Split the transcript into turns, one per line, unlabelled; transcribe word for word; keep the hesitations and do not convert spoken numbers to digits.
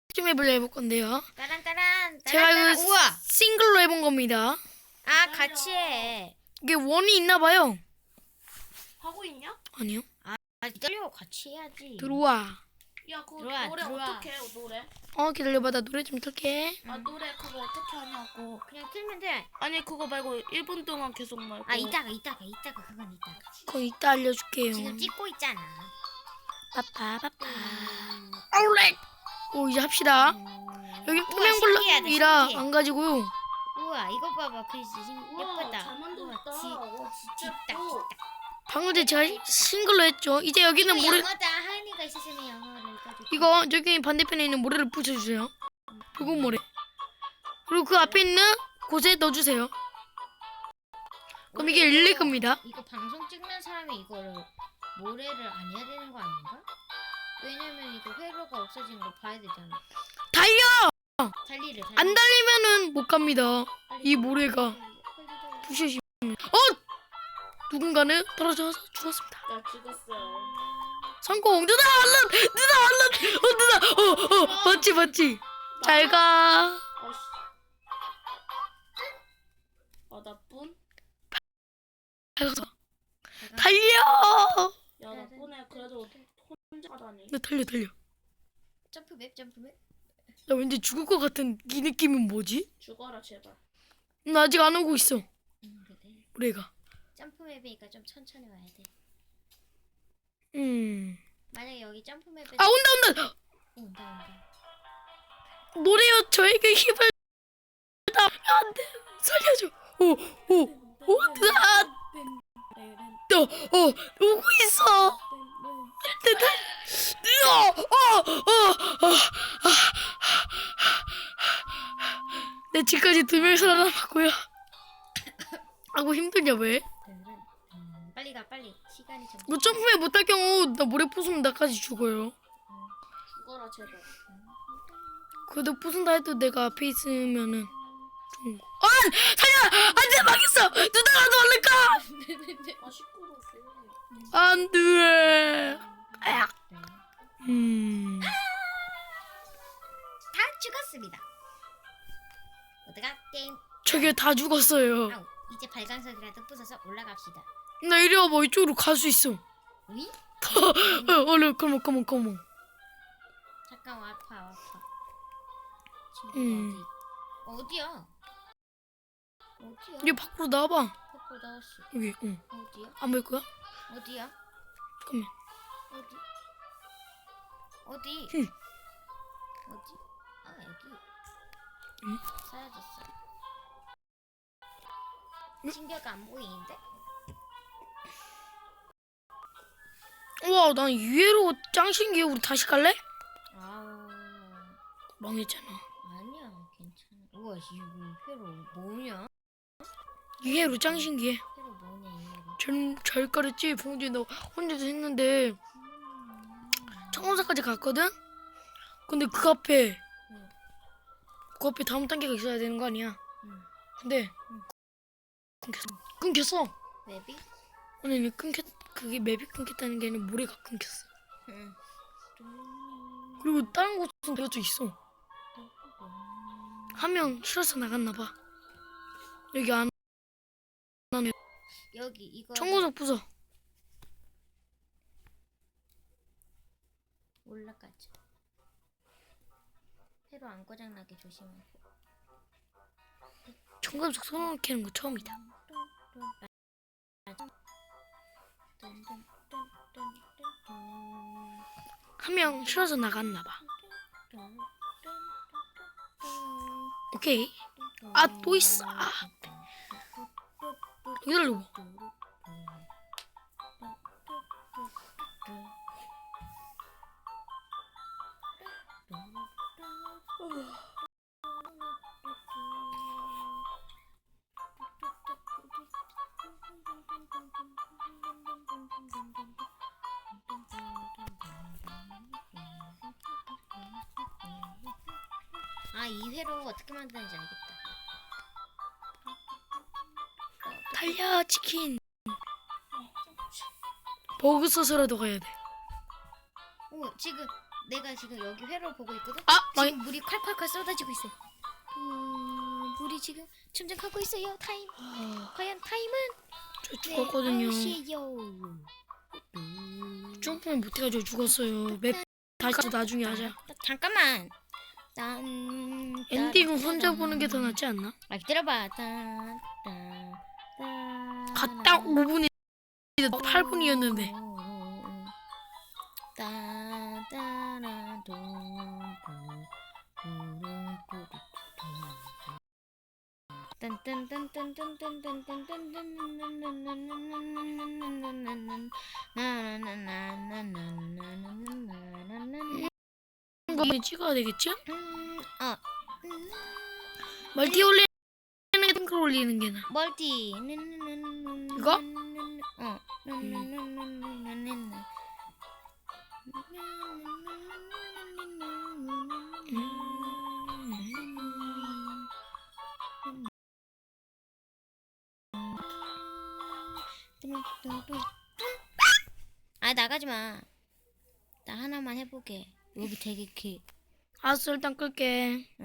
좀 해보려 해볼 건데요.
따란 따란
제가
따란 따란.
이거
우와.
싱글로 해본 겁니다.
아 같이 해.
이게 원이 있나 봐요.
하고 있냐?
아니요.
아 기다려 같이 해야지.
들어와.
야 그거
들어와,
노래
들어와.
어떻게 해 노래?
어 기다려봐, 나 노래 좀 틀게.
아 노래 그거 어떻게 하냐고.
그냥 틀면 돼.
아니 그거 말고 일 분 동안 계속 말고.
아 이따가 이따가 이따가 그건 이따가.
그거 이따 알려줄게요.
지금 찍고 있잖아.
빠빠빠빠.
음.
아울렛. 오 이제 합시다.
음.
여기
우와,
투명
신기하다,
블럭이라
신기해.
안 가지고요.
우와 이거 봐봐 글씨 신-
우와,
예쁘다.
잘 만들었다.
우와, 지-
와 진짜
뒷딱
예뻐.
뒷딱.
방금 전에 제가 싱글로 했죠. 이제 여기는
이거
모래.
영어다. 하은이가 있었으면 영어를 가지고.
이거 저기 반대편에 있는 모래를 붙여주세요. 붉은 모래. 그리고 그 앞에 있는 곳에 넣어주세요. 그럼 이게 일일 겁니다.
이거 방송 찍는 사람이 이거를 모래를 안 해야 되는 거 아닌가? 왜냐면 이거 회로가 없어진 걸 봐야 되잖아.
달려!
달리를 달리.
안 달리면은 못 갑니다.
빨리
이
달리,
모래가
빨리 달리, 빨리 달리.
부셔지면. 어! 누군가는 떨어져서 죽었습니다.
나 죽었어.
성공! 누나 얼른! 누나 얼른! 어 누나! 어! 어! 맞지 맞지? 잘 가.
아씨. 아 나쁜?
잘 가서.
내가
달려!
야 나쁜애 그래도 혼자 가다니.
나 달려 달려.
점프 맵 점프 맵.
나 왠지 죽을 것 같은 이 느낌은 뭐지?
죽어라 제발.
나 아직 안 오고 있어.
음 그래.
모래가.
점프 맵이니까 좀 천천히 와야 돼.
음.
만약에 여기 점프 맵에
아 온다 온다!
어, 온다 온다.
모래여 저에게 힘을 다 안돼 살려줘. 오오오 아, 너, 어 오고 있어. 내 집까지 두 명 살아남았고요. 아고 힘드냐 왜?
음, 빨리 가 빨리. 시간이 좀.
뭐 점프에 못할 경우 나 모래 부수면 나까지 죽어요.
죽어라 제발.
그래도 부순다 해도 내가 앞에 있으면은 좀. 아 살려! 안돼 망했어. 누나라도 얼른 가.
아 시끄러웠어.
안돼. 아야. 음.
다 죽었습니다. 어디가 게임.
저게 다 죽었어요.
아우 이제 발광석이라도 부숴서 올라갑시다.
나 이리 와봐. 이쪽으로 갈 수 있어.
위?
어, 얼른 컴온 컴온 컴온.
잠깐 아파 아파. 친구
음.
어디? 어디야? 어디야?
이제 밖으로 나와봐.
밖으로 나왔어.
여기. 응.
어디야?
안 보일 거야?
어디야?
잠깐만.
어디? 어디?
응.
어디? 아 여기.
응?
사라졌어.
응?
신기가 안 보이는데?
우와, 난 이해로 짱 신기해. 우리 다시 갈래?
아
망했잖아.
아니야 괜찮아. 우와 이거 회로 뭐냐?
이해로 짱 신기해.
회로 뭐냐 이 회로.
전 잘 가랬지. 봉지 너 혼자서 했는데 청원사까지 갔거든. 근데 그 앞에
응.
그 앞에 다음 단계가 있어야 되는 거 아니야?
응.
근데
응.
끊겼어. 끊겼어.
맵이?
아니 아니, 끊겼 그게 맵이 끊겼다는 게 아니라 모래가 끊겼어.
응.
그리고 다른 곳은 들어져 있어. 한 명 싫어서 나갔나 봐. 여기 안 하면
여기 이거
청구석 부숴.
올라가자. 회로 안 고장나게 조심하고.
청구석 손으로 캐는 거 처음이다. 한 명 싫어서 나갔나 봐. 오케이. 아, 또 있어. 아, 기다려봐.
아, 이 회로 어떻게 만드는지 알겠다.
달려 치킨. 버그 써서라도 가야 돼.
오, 지금 내가 지금 여기 회로를 보고 있거든.
아, 망
지금 물이 콸콸콸 쏟아지고 있어. 음, 물이 지금 침전하고 있어요. 타임. 과연 타임은?
저 죽었거든요.
시요.
점프를 못해가지고 죽었어요. 맵 다시 나중에 하자.
잠깐만. 딴,
엔딩은 혼자 보는 게 더 낫지 않나?
아 기다려봐. 딴, 딴, 딴,
갔다 오 분이 팔 분이었는데. 이거 찍어야 되겠지?
음, 어. 음,
멀티 올리는 게 탱크 올리는 게 나.
멀티.
이거?
어. 아 나가지 마. 나 하나만 해보게. 여기 되게 길.
알았어, 일단 끌게.